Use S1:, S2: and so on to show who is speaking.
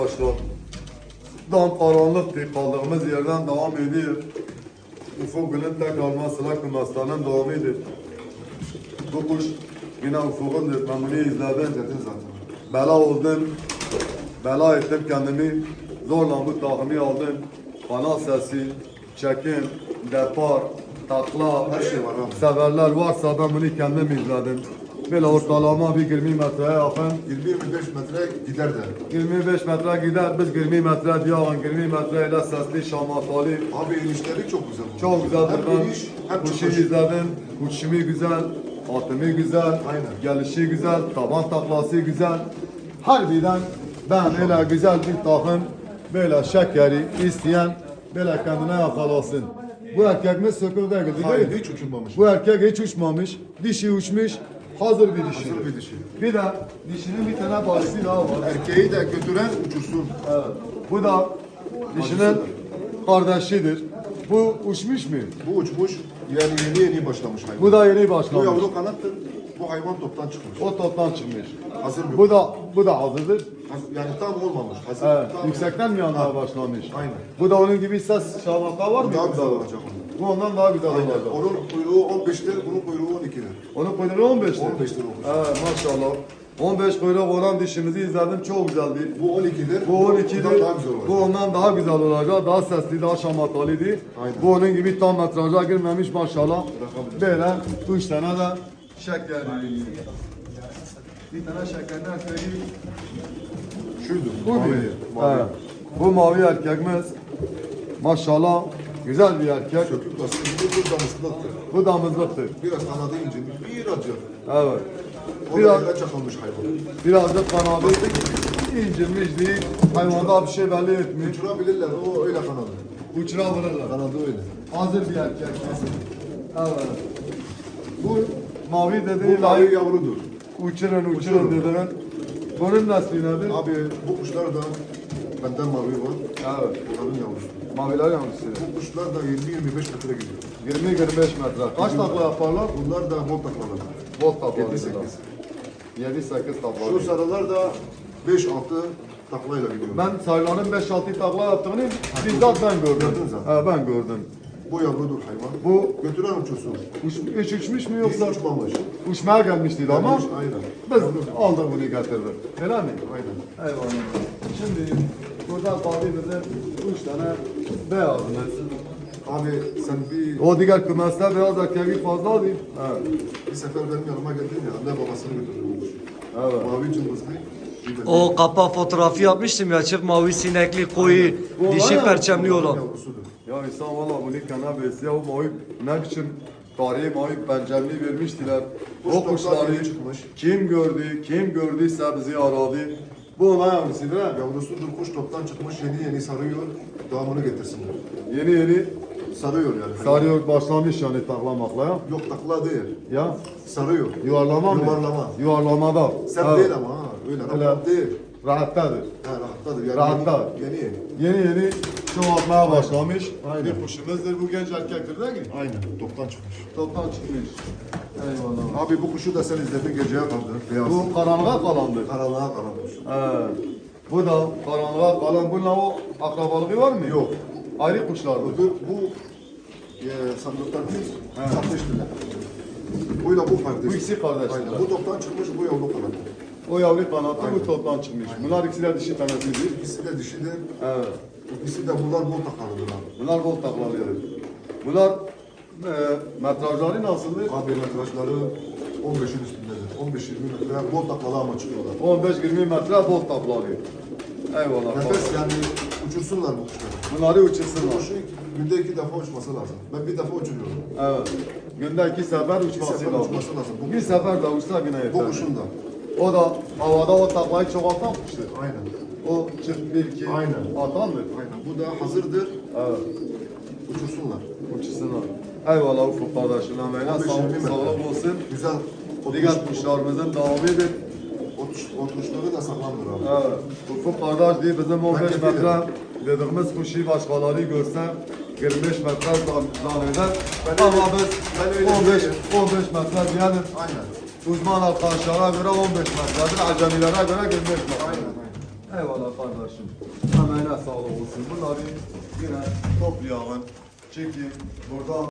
S1: Arkadaşlar, dam karanlıktı, kaldığımız yerden devam ediyor. Ufuk Gül'ün tekrarma sıra kümeslerinin devamıdır. Bu kuş yine Ufuk'undur, ben bunu izledim.
S2: Zaten.
S1: Bela oldum, bela ettim kendimi, zorla bu takımı aldım. Kanal sesi, çekim, depar, takla,
S2: Her şey var abi.
S1: severler varsa ben bunu kendim izledim. Böyle ortalama bir 20 metreye yakın
S2: 20-25 metre gider de.
S1: 25 metre gider, biz 20 metre diyorlar, 20 metre ile sesli şamatalı.
S2: Abi inişleri çok güzel.
S1: Çok güzeldir.
S2: Hem
S1: Ben
S2: iniş hem
S1: kuşu
S2: çıkış.
S1: izledim, uçuşumu güzel, atımı güzel,
S2: Aynen.
S1: gelişi güzel, taban taklası güzel. Harbiden ben öyle güzel bir takım, böyle şekeri isteyen, böyle kendine yakalasın. Bu erkekimiz söküldü değil
S2: Hayır,
S1: mi?
S2: hiç uçulmamış.
S1: Bu erkek hiç uçmamış, dişi uçmuş, hazır bir dişi.
S2: Hazır bir dişi.
S1: Bir de dişinin bir tane başlığı daha var.
S2: Erkeği de götüren uçursun.
S1: Evet. Bu da dişinin kardeşidir. Bu uçmuş mu?
S2: Bu uçmuş, yani yeni başlamış hayvan.
S1: Bu da yeni
S2: Bu
S1: başlamış.
S2: yavru kanattır. Bu hayvan toptan çıkmış.
S1: O toptan çıkmış.
S2: Hazır mı?
S1: Bu da hazırdır.
S2: Yani tam olmamış. Hazır.
S1: Evet.
S2: Tam
S1: Yüksekten mi yanmaya başlamış?
S2: Aynen.
S1: Bu da onun gibi ses şalaka var mı?
S2: Daha
S1: Bu
S2: güzel
S1: da?
S2: olacak onun.
S1: Bu ondan daha güzel
S2: Aynen.
S1: olacak.
S2: Onun kuyruğu 15'tir, bunun kuyruğu 12'dir.
S1: Onun kuyruğu 15'tir.
S2: 15'tir olmuş.
S1: Evet maşallah. 15 kuyruk olan dişimizi izledim, çok güzeldi.
S2: Bu 12'dir.
S1: Bu 12'dir.
S2: Bundan daha güzel olacak.
S1: Bu ondan daha güzel olacak. Daha sesli, daha şamatalıydı.
S2: Aynen.
S1: Bu onun gibi tam metraja girmemiş maşallah.
S2: Bırakabiliriz.
S1: Böyle 3 tane de şeker. Bir tane şekerden söyleyeyim.
S2: Şuydu.
S1: Bu
S2: mavi.
S1: bir.
S2: Mavi.
S1: Evet. Bu mavi erkekimiz. Maşallah güzel bir erkek.
S2: Sökük bası gibi bu damızlıktır.
S1: Bu damızlıktır.
S2: Biraz kanadı incinmiş, birazcık.
S1: Evet.
S2: O
S1: Biraz,
S2: da yere çakılmış hayvan.
S1: birazcık kanadı incinmiş değil. Hayvanda bir şey belli etmiyor.
S2: Uçurabilirler, o öyle kanadı.
S1: Uçurabilirler.
S2: Kanadı öyle.
S1: Hazır bir erkek. Evet. Bu mavi
S2: Bu
S1: dediği
S2: mavi
S1: layık
S2: yavrudur.
S1: uçurun dediğin. Bunun nesli nedir?
S2: Abi bu kuşlar da benden mavi var.
S1: Evet.
S2: Onların yavrusu.
S1: Maviler yavrusu.
S2: Bu kuşlar da 20-25 metre gidiyor.
S1: 20-25 metre. Kaç takla yaparlar?
S2: Bunlar da bol taklalar.
S1: Volt taklaları.
S2: 7-8.
S1: 7-8
S2: Şu
S1: taklaları.
S2: sarılar da 5-6 taklayla gidiyor.
S1: Ben sayıların 5-6 takla yaptığını bizzat ben gördüm.
S2: Gördün zaten.
S1: Ben gördüm.
S2: Bu yavrudur hayvan.
S1: Bu
S2: Götüren uçursun.
S1: hiç uçmuş mu
S2: Hiç
S1: yoksa?
S2: uçmamış.
S1: Uçmaya gelmişti ama
S2: Gelmiş, aynen.
S1: biz aldık bunu getirdik. Öyle mi?
S2: Aynen.
S1: Eyvallah. Şimdi burada kaldı bizim 3 tane beyazımız.
S2: Abi sen
S1: O diğer kümesler beyaz erkeği fazla değil. Evet.
S2: bir sefer benim yanıma geldin ya, anne babasını götürdüm.
S1: Evet.
S2: Mavi cımbızlı. bir de
S3: O kapak fotoğrafı yapmıştım ya, çift mavi sinekli koyu
S1: Bu
S3: dişi
S1: var ya,
S3: perçemli olan.
S2: yavrusudur.
S1: Ya insan valla bunu kana besliyor. O mavi ne biçim tarihi mavi pencereli vermiştiler.
S2: Kuş
S1: O kuşları
S2: toplar çıkmış.
S1: kim gördüyse bizi aradı. Bu ona yavrusudur ha.
S2: Yavrusudur, kuş toptan çıkmış, yeni sarıyor, devamını getirsinler.
S1: Yeni
S2: Sarıyor yani.
S1: sarıyor başlamış yani taklamakla ya.
S2: Yok takla değil,
S1: Ya
S2: sarıyor.
S1: yuvarlama mı?
S2: Yuvarlama.
S1: Yuvarlamada.
S2: Sert
S1: Evet.
S2: değil ama ha, öyle rahat değil.
S1: Rahattadır.
S2: Ha, rahattadır yani.
S1: Rahatta.
S2: Yeni.
S1: Yeni çoğalmaya başlamış.
S2: Aynen.
S1: Bir kuşumuzdur bu genç erkektir değil mi?
S2: Aynen, toptan çıkmış.
S1: Toptan çıkmış. Eyvallah.
S2: Abi bu kuşu da sen izledin, geceye kaldı. Beyaz.
S1: Bu karanlığa kalandır.
S2: Karanlığa kalan kuş.
S1: Evet. Bu da karanlığa kalan. Bununla o akrabalığı var mı?
S2: Yok.
S1: Ayrı kuşlardır.
S2: Bu sandıktan satmıştılar. Buyla bu kardeş.
S1: Bu ikisi kardeşler.
S2: Aynen. Bu toptan çıkmış, bu yavru kanatı.
S1: O yavru kanatı bu toptan çıkmış. Bunlar ikisi de dişi tanesidir.
S2: İkisi de dişidir.
S1: Evet.
S2: İkisi de bunlar bol takalıdır abi.
S1: Bunlar gol taklalıdır. Bunlar metrajları nasıldır?
S2: Abi metrajları 15'in üstündedir. 15-20 metre bol taklalı ama çıkıyorlar.
S1: 15-20 metre bol taklalı. Eyvallah.
S2: Nefes yani uçursunlar bu kuşları.
S1: Bunları uçursunlar.
S2: Kuşun günde 2 defa uçması lazım. Ben bir defa uçuruyorum.
S1: Evet. Günde 2 sefer
S2: Bir
S1: uçması
S2: sefer
S1: lazım.
S2: uçması lazım. Bu,
S1: Bir sefer de uçsa yine yeter.
S2: bu kuşun da.
S1: O da havada o taklayı çoğaltan kuştur.
S2: Aynen.
S1: O çift bir iki
S2: Aynen.
S1: atandır.
S2: Aynen. Bu da hazırdır.
S1: Evet.
S2: Uçursunlar.
S1: Uçursunlar. Eyvallah Ufuk kardeşim. Emeğine
S2: 15-20 metre.
S1: sağlık olsun.
S2: Güzel.
S1: Diğer kuşlarımızın devamıdır.
S2: O kuşları da sağlamdır abi.
S1: Evet. Ufuk kardeş değil bizim 15
S2: kefilim.
S1: metre dediğimiz kuşu başkaları görse 25 metre zanneder.
S2: Ben
S1: Ama
S2: öyle-
S1: biz
S2: ben öyle
S1: 15
S2: değilim.
S1: metre diyelim.
S2: Aynen.
S1: Uzman arkadaşlara göre 15 metredir, acemilere göre 25 metre.
S2: Aynen.
S1: Eyvallah kardeşim. Emeğine sağlık olsun. Bunları yine toplayalım. Çekin. Burada